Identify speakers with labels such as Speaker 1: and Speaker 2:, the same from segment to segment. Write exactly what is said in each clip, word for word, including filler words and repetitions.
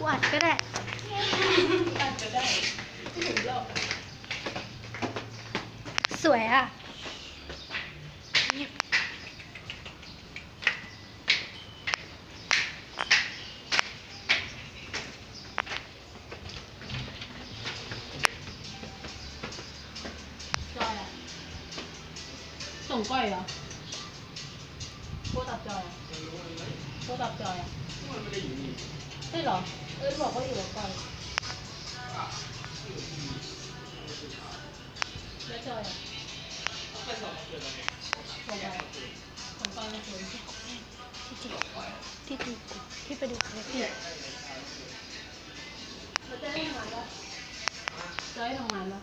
Speaker 1: กูอัดก็ได้
Speaker 2: อัดก็ได้ไม่ถึงหรอก
Speaker 1: สวยอ่ะ
Speaker 2: จอยอ่ะส่งก้อยเหรอโคตับจอยอ่ะโคตับจอยอ่ะมันไม่ได้อยู่นี่ใช่เหรอเออบอกว่าอยู่กับก้อยแล้วจอยอ่ะส่งไปส่งก้อยมาคืน
Speaker 1: ที่จีที่ดูที่ไปดูคลิปเนี่ย
Speaker 2: แล้วจะได้ทำงานปะจะได้ทำงานปะ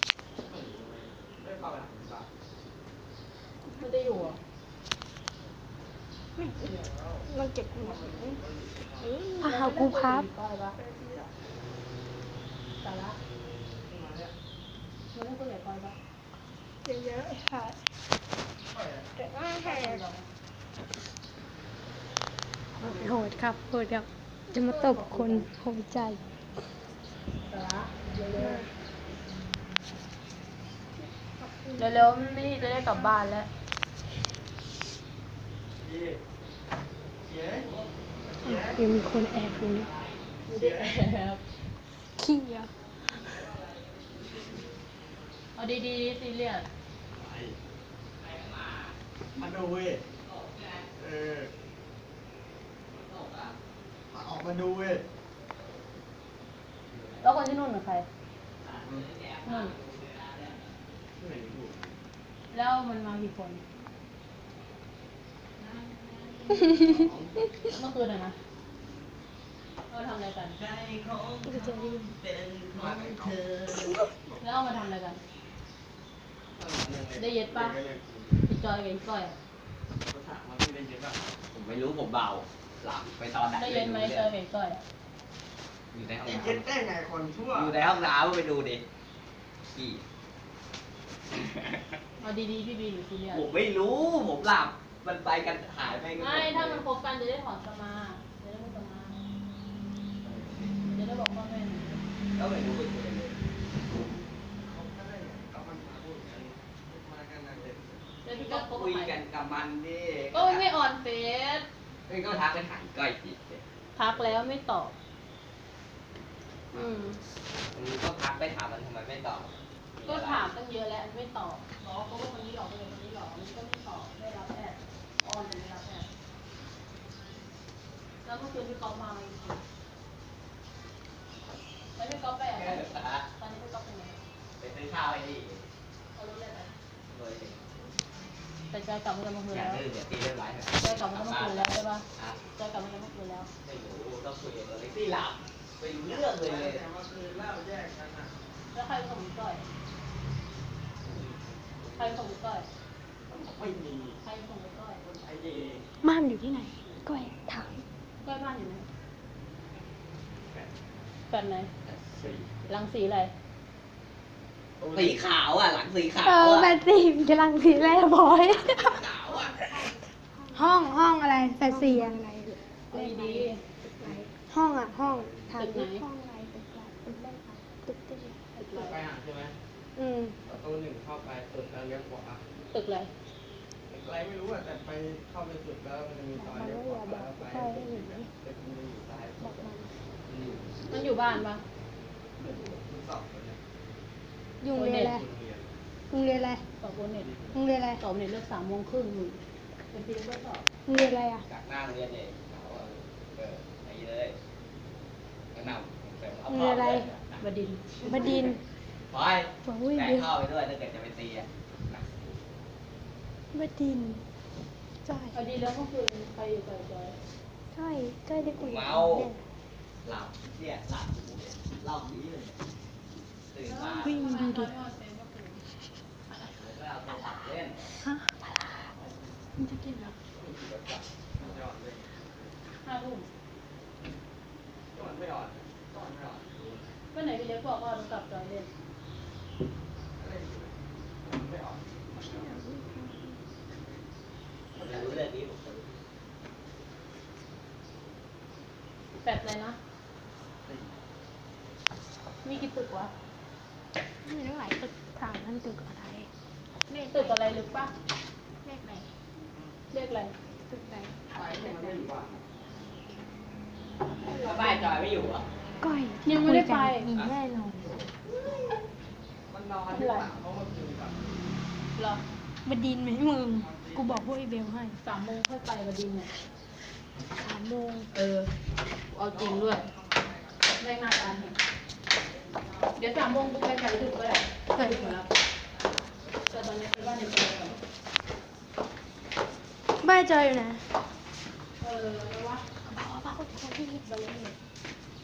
Speaker 2: ไม่ได้อยู่อ่ะ
Speaker 1: เราเก็บกูพาหากูพับ
Speaker 2: สาระมันต้องตัวใหญ่ก้อยปะ
Speaker 1: เยอะๆค่ะแต่ว่าแหกโหดครับโหดครับจะมาตบคนโหดใจ
Speaker 2: สาระเร็วๆเร็วๆนี่จะได้กลับบ้านแล้ว
Speaker 1: ยังมีคนแอบอยู่นี่
Speaker 2: ไม่ได้แอบ
Speaker 1: ขี้อ่ะ
Speaker 2: เอาดีๆซีเรียส
Speaker 3: มาดูเว้ยเออมาออกมาดูเว้ย
Speaker 2: แล้วคนที่นู่นเป็นใครนู่นแล้วมันมากี่คนเมื่อคืนอะนะเราทำอะไรกันแล้วเอามาทำอะไรกันได้เย็ดปะพี่จอยกับพี่ก้อยอะ
Speaker 4: ผมไม่รู้ผมเบาหลับไปตอนไหน
Speaker 2: ได้เย็นไหมจอยกับพี่ก้อยอะ
Speaker 4: อยู่ในห้อง
Speaker 3: ไอ้
Speaker 4: น้ำ
Speaker 3: เย็ดได้ไงคนชั่ว
Speaker 4: อยู่ในห้องน้ำไปดูดิขี้
Speaker 2: เอาดีๆพี่บีหรือซีเรียส
Speaker 4: ผมไม่รู้ผมหลับมันไปกันหายไปกัน
Speaker 2: ไม่ถ้ามันคบกันจะได้ถอนสมาจะได้ไม่สมาจะได้บอกพ่อแม่
Speaker 4: ก็ไม่รู้ไปคุยเลย
Speaker 3: เขาก็ได้ไงก็มันมาพูดกันมากันนะเด็ก
Speaker 2: แล้วพี่
Speaker 4: ก็
Speaker 2: ก็คบ
Speaker 4: คุย
Speaker 2: ใคร
Speaker 4: กันกับมันดิ
Speaker 2: ก็ไม่ออนเฟซ
Speaker 4: เอ้ยก็ทักไปหายก้อยจิตเลย
Speaker 2: ทักแล้วไม่ตอบอืม
Speaker 4: มันก็ทักไปถามมันทำไมไม่ตอบ
Speaker 2: ก็ถามตั้งเยอะแล้วไม่ตอบบอกว่าเขาเป็นคนนี้หรอกเป็นคนนี้หรอกมันก็ไม่ตอบไม่รับแอดออนแต่ไม่รับแอดแล้วเมื่อคืนพี่ก๊อฟมาอีกทีแล้วพี่ก๊อฟไปอ่ะตอนนี้พี่ก๊อฟเป็นไง
Speaker 4: ไปซื้อข้าวไอ้นี่
Speaker 2: เขารู้เลยไหม
Speaker 4: โดย
Speaker 2: แต่จอยกลับมาจากเมื่อคืน
Speaker 4: อย่า
Speaker 2: แล้ว
Speaker 4: ดื้อเดี๋ยวตีเรียบร้อย
Speaker 2: จอยกลับมาจากเมื่อคืนแล้วใช่ปะ
Speaker 4: อ่ะ
Speaker 2: จอยกลับมาจากเมื่อคืนแล้ว
Speaker 4: ไม่รู้ต้องคุยกับตัวเล็กที่หลับไปรู้เรื่องเลยเลย
Speaker 3: แต่ว่าคือเล่าแยกกันนะ
Speaker 2: แล้วใครส่งพี่ก้อยใครส่งพี่ก้อย
Speaker 3: ไม่มี
Speaker 2: ใครส่งพี่ก้อย
Speaker 3: ไอ้เด็ก
Speaker 1: ม่านอยู่ที่ไหนก้อยถาม
Speaker 2: ก้อยบ้านอยู่ไหนแฟนไหน
Speaker 3: สี่
Speaker 2: รังสีอะไร
Speaker 4: สีขาวอ่ะหลังสีขา
Speaker 1: เอ
Speaker 4: ว
Speaker 1: อ
Speaker 4: อ่ะ
Speaker 1: แฟนซีกำลังสีแรกบอย
Speaker 4: ขาวอ่ะ
Speaker 1: ห้องห้องอะไรแฟนซีอะไร
Speaker 2: เอาดี
Speaker 1: ห้องอ่ะห้องถาม
Speaker 2: ตึกไหน
Speaker 1: ห้องอะไรตึกอะไรตึกแรกค่ะตึกตึก
Speaker 2: ๆตึกอะไร
Speaker 3: ไปหาใช่ไหม
Speaker 1: อืม
Speaker 3: ประตูหนึ่งเข้าไปสุดแล้วเลี้ยวขวา
Speaker 2: ตึกอะไร
Speaker 3: อะไรไม่รู้อ่ะแต่ไปเข้าไปสุดแล้วมันจะมีซอยเลี้ยวขวาแล้วไปเด็กมันจะอยู่ซ้าย
Speaker 1: บอกมัน
Speaker 2: มันอยู่บ้านปะ
Speaker 3: มันสอบเลย
Speaker 1: ยุงเรียนอะไร
Speaker 3: คุณเรียน
Speaker 1: ยุงเรียนอะไร
Speaker 2: สอบโบเน็ต
Speaker 1: ยุงเรียนอะไร
Speaker 2: สอบเน็ตเลิกสามโมงครึ่งหนึ่งเป็นปีก็สอบ
Speaker 1: ยุงเรียนอะไรอ่ะ
Speaker 4: จากหน้าโรงเรียนเนี่ยเขาเอาเออไอ้เลยแนะนำเสริมเอา
Speaker 1: มี
Speaker 4: พ่อ
Speaker 1: อะไร
Speaker 4: ด้วย
Speaker 2: บดินทร์
Speaker 1: บดินทร์
Speaker 4: ไป
Speaker 1: บอกอุ้ย
Speaker 4: แต่
Speaker 1: เดี๋ยว
Speaker 4: เข้าไปด้วยถ้าเกิดจะไปตีอ่ะ
Speaker 1: บดินทร์ใช่
Speaker 2: เอาดีแล้วเมื่อคืนใครอยู่กับจอย
Speaker 1: ใช่ใกล้ได้คุยกับ
Speaker 4: เมา
Speaker 1: เนี่ย
Speaker 4: หลับเนี่ยหลับอยู่เนี่ยรอบนี้เลยตื่นมา
Speaker 1: วิ่งดูดิ
Speaker 4: แล้วก็เอาโทรศัพท์เล่น
Speaker 1: ฮะมันจะกินเหรอ
Speaker 2: ห้าทุ่ม
Speaker 3: จอดไม่ออดจอดไม่ออด
Speaker 2: เมื่อไหร่พี่เล็กบอกว่าเรากลับจอยเล่น
Speaker 3: อะไรอยู่ไม่ออด
Speaker 4: ผมจะรู้เรื่องนี้ผมจะรู้
Speaker 2: แบบอะไรนะ
Speaker 3: อสี่
Speaker 2: มีกี่ตึกวะ
Speaker 1: ไม่รู้หลายตึกถามนั่นตึกอะไรเลข
Speaker 2: ตึกอะไรลึกปะ
Speaker 1: เลขไหน
Speaker 2: เรียกอะไร
Speaker 1: ตึกไหน
Speaker 3: ไปที่มันไม่อยู่บ้าน
Speaker 4: แล้วบ้านจอยไม่อยู่เหรอ
Speaker 1: ก้อย
Speaker 2: ยังไม่ได้ไป
Speaker 1: มีแน่นอน
Speaker 3: มันนอนที่หลังเพราะมันคืนกับ
Speaker 2: เหรอบ
Speaker 1: ดินทร์ไหมมึง กูบอกพวกไอเบลให้
Speaker 2: สามโมงค่อยไปบดินทร์เนี่ย
Speaker 1: สามโมง
Speaker 2: เออ เอาจริงด้วยแม่งหน้าตาเห็นเดี๋ยวสามโมงกูไปไก่ดึกก็ได้ไก่ดึกหมดแล้วแต่ตอนนี้ไปบ้านในเมืองก่อน
Speaker 1: บ้านจอยอยู่ไหน
Speaker 2: เออแล้ววะ
Speaker 1: บ้านบ้านคนที่
Speaker 2: ไปเลย